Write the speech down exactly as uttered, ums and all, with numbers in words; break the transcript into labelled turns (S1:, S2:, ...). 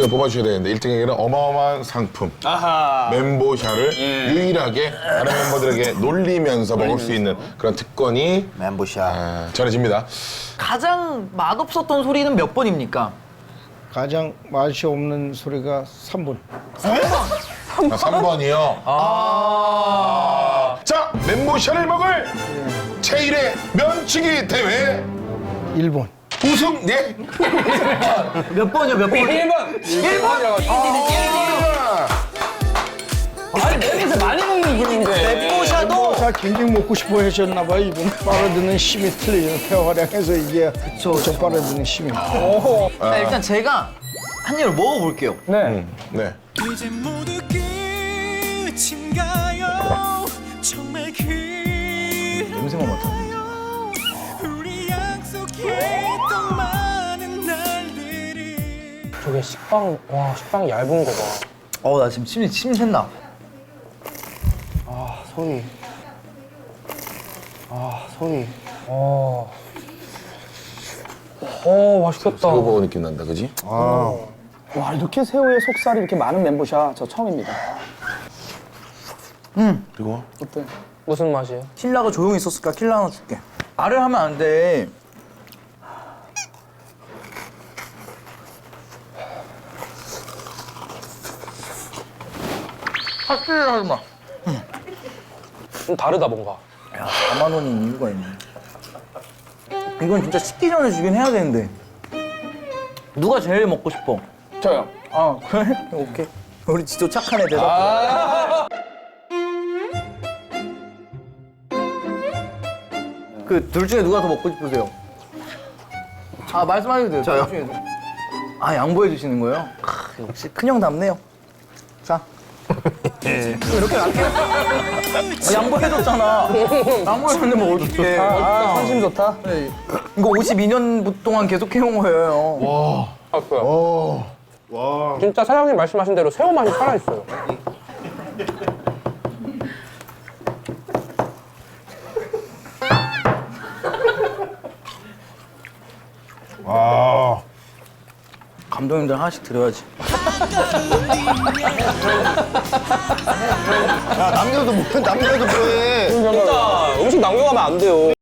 S1: 을 뽑아주셔야 되는데 일 등에게는 어마어마한 상품
S2: 아하.
S1: 멘보샤를
S2: 예.
S1: 유일하게 다른 멤버들에게 놀리면서 먹을 수 있는 그런 특권이
S3: 멘보샤.
S1: 아, 전해집니다.
S4: 가장 맛없었던 소리는 몇 번입니까?
S5: 가장 맛이 없는 소리가 삼 번.
S1: 아, 삼 번이요. 아. 자, 멘보샤를 먹을 제일의 면치기 대회
S5: 일 번.
S1: 우승 예.
S4: 몇 번이요, 몇 번?
S2: 일 번. 일 번. 아니, 내에서 많이 먹는 분인데.
S4: 멘보샤도
S5: 자, 굉장히 먹고 싶어 하셨나 봐요. 이분 빨아드는 힘이 틀리죠. 폐활량에서 이게 저 빨아드는 힘이.
S4: 자, 일단 제가 한 입을 먹어볼게요.
S2: 네.
S1: 네.
S6: 이제 모두 끝인가요? 정말 그
S4: 냄새만 맡아.
S6: 우리 약속했던 많은 날들이
S2: 저게 식빵, 와, 식빵이 얇은 거 봐.
S4: 어, 나 지금 침이, 침이 샌다.
S2: 아, 소리. 아, 소리. 어. 어, 맛있겠다.
S1: 새우버거 느낌 난다, 그지?
S2: 와, 이렇게 새우에 속살이 이렇게 많은 멘보샤 저 처음입니다.
S1: 그리고
S2: 어때? 무슨 맛이에요?
S4: 킬라가 조용히 있었을까? 킬라 하나 줄게. 말을 하면 안 돼. 확실히 하지 마.
S2: 좀 다르다, 뭔가.
S4: 야, 사만 원인 이유가 있네. 이건 진짜 식기 전에 주긴 해야 되는데. 누가 제일 먹고 싶어?
S2: 저요.
S4: 아, 그래? 오케이. 우리 지도 착한 애 대답. 그 둘 중에 누가 더 먹고 싶으세요? 아, 말씀하셔도 돼요. 저요? 아, 양보해 주시는 거예요? 크, 역시 큰형답네요. 자. 이렇게 낫게. 아, 양보해줬잖아. 양보해줬는데 뭐 어떡해.
S2: 아, 선심 좋다.
S4: 네. 이거 오십이 년 동안 계속 해온 거예요.
S2: 아, 진짜 사장님 말씀하신 대로 새우 맛이 살아있어요.
S4: 감독님들 하나씩 드려야지.
S3: 남녀도 뭐, 남녀도 뭐해.
S2: 진짜 음식 남겨가면 안 돼요.